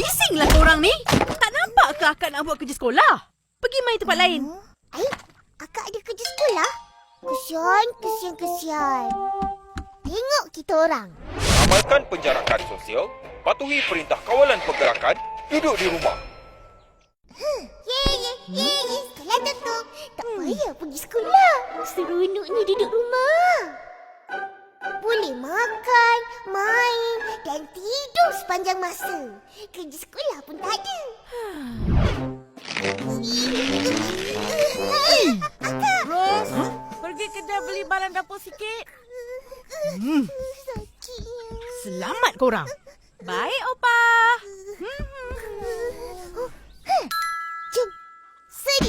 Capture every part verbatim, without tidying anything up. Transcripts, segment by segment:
Bisinglah korang ni. Tak nampak ke akak nak buat kerja sekolah? Pergi main tempat lain. Eh, akak ada kerja sekolah? Kesian, kesian, kesian. Tengok kita orang. Amalkan penjarakan sosial, patuhi perintah kawalan pergerakan, duduk di rumah. Ye, ye, ye, ye. Sekolah tutup. Tak payah pergi sekolah. Seronok ni duduk rumah. Boleh makan, main dan tidur sepanjang masa. Kerja sekolah pun tak ada. Akak. Ros, huh? Pergi kedai beli bahan dapur sikit. Hmm. Sakitnya. Selamat korang. Baik, Opa. Hmm. Jom. Sedia.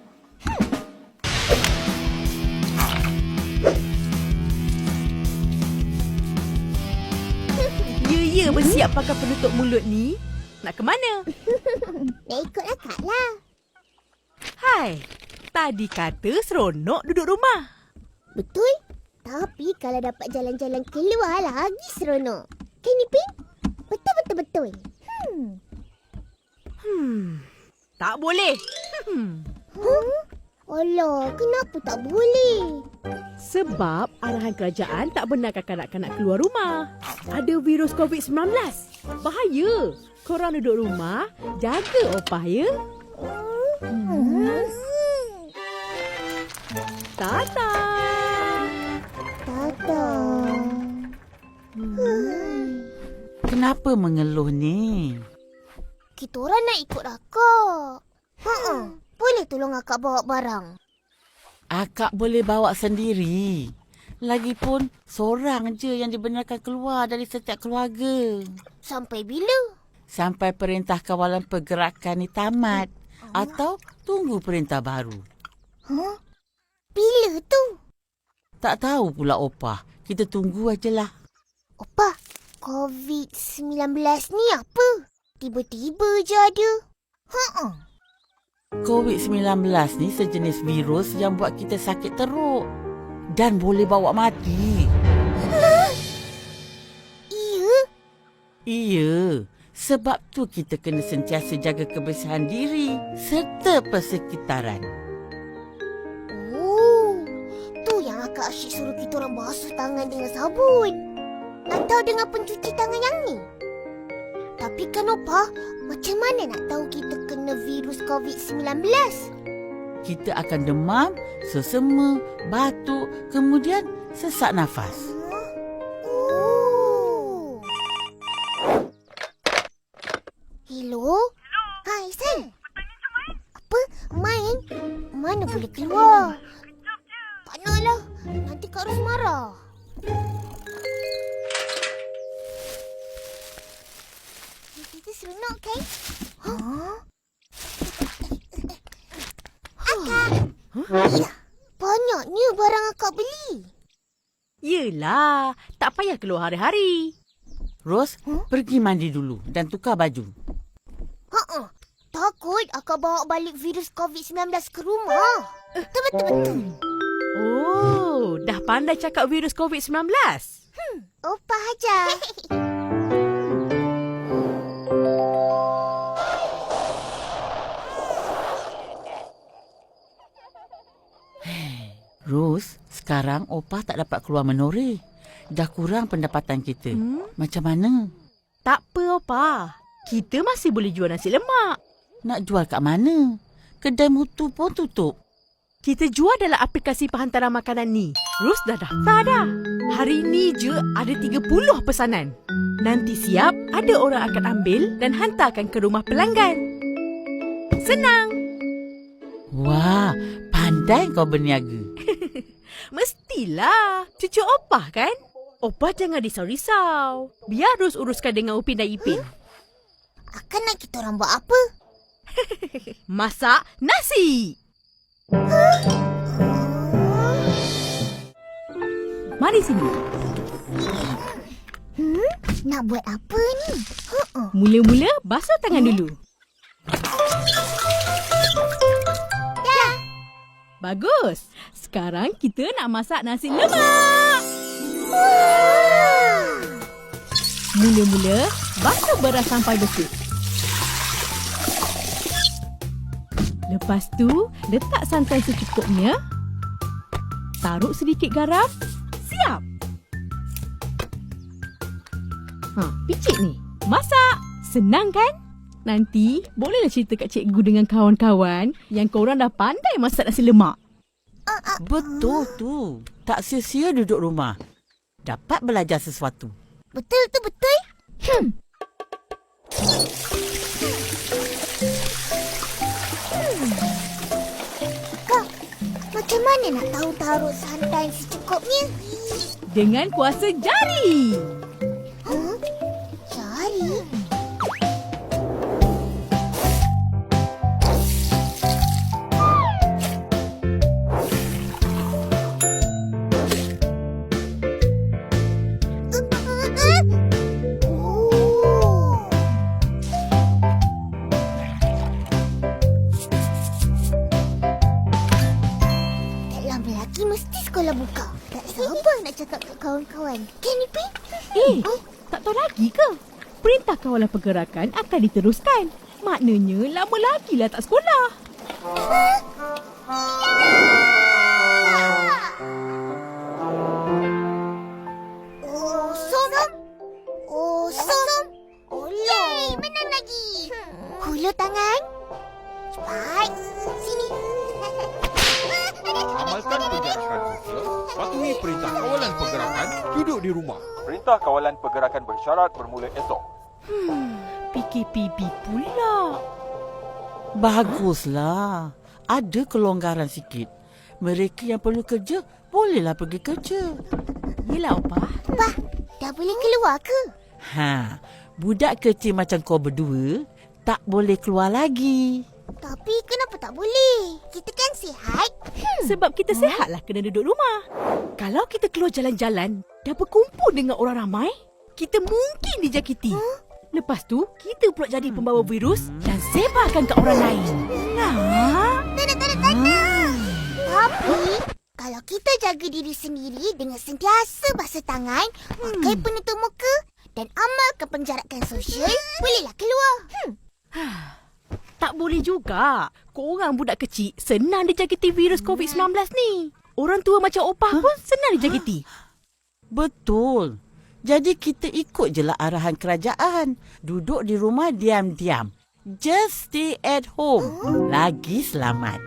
Ya-ya bersiap pakai penutup mulut ni. Nak ke mana? Nak ikut akak lah. Hai. Tadi kata seronok duduk rumah. Betul. Tapi kalau dapat jalan-jalan keluar lagi seronok. Kan Ipin? Betul-betul-betul. Hmm. Hmm. Tak boleh. Hmm. Huh? Alah, kenapa tak boleh? Sebab arahan kerajaan tak benarkan kanak-kanak keluar rumah. Ada virus covid sembilan belas. Bahaya. Korang duduk rumah, jaga opah ya. Hmm. Tata. Tata. Hmm. Kenapa mengeluh ni? Kita orang nak ikut akak. Ha-ha. Boleh tolong akak bawa barang? Akak boleh bawa sendiri. Lagipun, seorang je yang dibenarkan keluar dari setiap keluarga. Sampai bila? Sampai perintah kawalan pergerakan ni tamat. Atau tunggu perintah baru. Huh? Bila tu? Tak tahu pula Opah. Kita tunggu ajalah. Opah, covid sembilan belas ni apa? Tiba-tiba je ada. Ha-ha. covid sembilan belas ni sejenis virus yang buat kita sakit teruk. Dan boleh bawa mati. Iya? Iya. Sebab tu kita kena sentiasa jaga kebersihan diri serta persekitaran. Oh, tu yang akak asyik suruh kita orang basuh tangan dengan sabun. Atau dengan pencuci tangan yang ni. Tapi kan Opah, macam mana nak tahu kita kena virus covid sembilan belas? Kita akan demam, sesema, batuk, kemudian sesak nafas. Oh. Hello? Hai, San. Apa? Main? Mana boleh keluar? Tak naklah. Nanti Kak Ros marah. Kita seronok kan? Huh? Akak! Huh? Ya, banyaknya barang akak beli. Yelah, tak payah keluar hari-hari. Ros, Huh? pergi mandi dulu dan tukar baju. Ha-ha. Takut akak bawa balik virus covid sembilan belas ke rumah. Betul-betul. Oh, dah pandai cakap virus covid sembilan belas. Hmm, Opah aja. Ros, sekarang Opah tak dapat keluar menoreh. Dah kurang pendapatan kita. Hmm? Macam mana? Tak apa, Opa. Kita masih boleh jual nasi lemak. Nak jual kat mana? Kedai mutu pun tutup. Kita jual dalam aplikasi penghantaran makanan ni. Rus dah daftar dah. Hari ni je ada tiga puluh pesanan. Nanti siap, ada orang akan ambil dan hantarkan ke rumah pelanggan. Senang. Wah, pandai kau berniaga. Mestilah. Cucu Opah kan? Opah jangan risau-risau. Biar Rus uruskan dengan Upin dan Ipin. Akan nak kita orang buat apa? Masak nasi. Mari sini. Hmm? Nak buat apa ni? Uh-uh. Mula-mula basuh tangan dulu. Dah. Bagus. Sekarang kita nak masak nasi lemak. Wah. Mula-mula basuh beras sampai bersih. Lepas tu, letak santan secukupnya. Taruh sedikit garam. Siap! Ha, picit ni. Masak! Senang kan? Nanti, bolehlah cerita kat cikgu dengan kawan-kawan yang korang dah pandai masak nasi lemak. Betul tu. Tak sia-sia duduk rumah. Dapat belajar sesuatu. Betul tu betul. Hmm. Kak, macam mana nak tahu taruh santan secukupnya? Dengan kuasa jari. Huh? Jari? Sekolah buka. Tak sabar nak cakap kat kawan-kawan. Kan, Ipin? Eh, oh? Tak tahu lagi ke? Perintah kawalan pergerakan akan diteruskan. Maknanya lama lagi lah tak sekolah. Oh, som. Oh, som. Oleh, menang lagi. Hulur tangan. Cepat. Sini. Amalkan penjarakan sosial, patuhi perintah kawalan pergerakan, duduk di rumah. Perintah kawalan pergerakan bersyarat bermula esok. Hmm, P K P B pula. Baguslah. Ada kelonggaran sikit. Mereka yang perlu kerja, bolehlah pergi kerja. Yelah, Opah. Opah, dah boleh keluar ke? Ha, budak kecil macam kau berdua, tak boleh keluar lagi. Tapi kenapa tak boleh? Kita kan sihat. Hmm. Sebab kita sihatlah kena duduk rumah. Kalau kita keluar jalan-jalan dan berkumpul dengan orang ramai, kita mungkin dijangkiti. Huh? Lepas tu, kita pula jadi pembawa virus dan sebarkan ke orang lain. Nah. Tak nak, tak nak, tak nak. Tapi, kalau kita jaga diri sendiri dengan sentiasa basuh tangan, pakai hmm. penutup muka dan amalkan penjarakan sosial, bolehlah keluar. Hmm. Tak boleh juga. Korang budak kecil senang dijangkiti virus covid sembilan belas ni. Orang tua macam Opah huh? pun senang dijangkiti. Betul. Jadi kita ikut je lah arahan kerajaan. Duduk di rumah diam-diam. Just stay at home. Oh. Lagi selamat.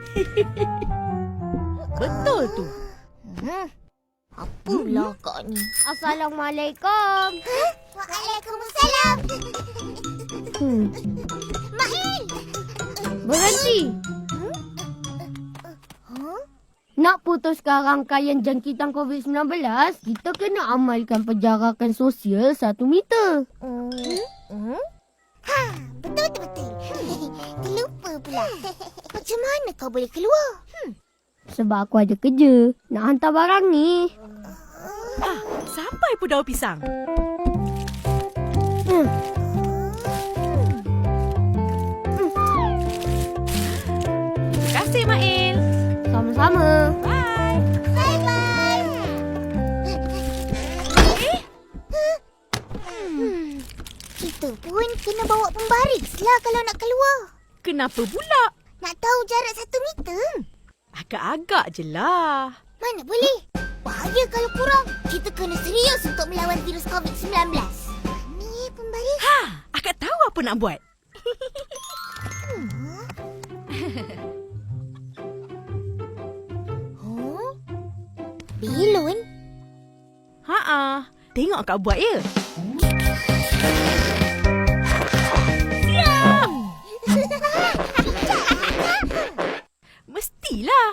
Betul tu. Hmm. Apalah hmm. kak ni. Assalamualaikum. Huh? Waalaikumsalam. Hmm. Mail. Berhenti. Hmm? Huh? Nak putuskan rangkaian jangkitan covid sembilan belas, kita kena amalkan penjarakan sosial satu meter. Hmm? Hmm? Ha, betul-betul. Terlupa pula. Macam mana kau boleh keluar? Hmm. Sebab aku ada kerja. Nak hantar barang ni. Ah, sampai pun daun pisang. Hmm. Terima kasih, Mail. Sama-sama. Bye. Bye-bye. Eh? Hmm. Kita pun kena bawa pembaris lah kalau nak keluar. Kenapa pula? Nak tahu jarak satu meter? Agak-agak je lah. Mana boleh? Bahaya kalau kurang. Kita kena serius untuk melawan virus covid sembilan belas. Ni pembaris. Ha, akak tahu apa nak buat. hmm. huh? Belon? Ha-ha. Tengok akak buat ya. Mestilah.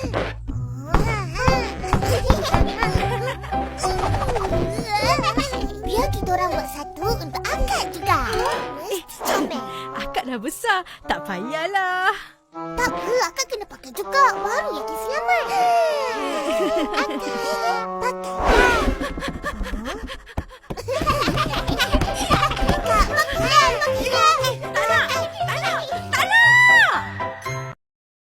Biar kita orang buat satu untuk akak juga. Eh, comel. Akak dah besar. Tak payahlah. Tak apa, akak kena pakai juga. Baru yakin selamat.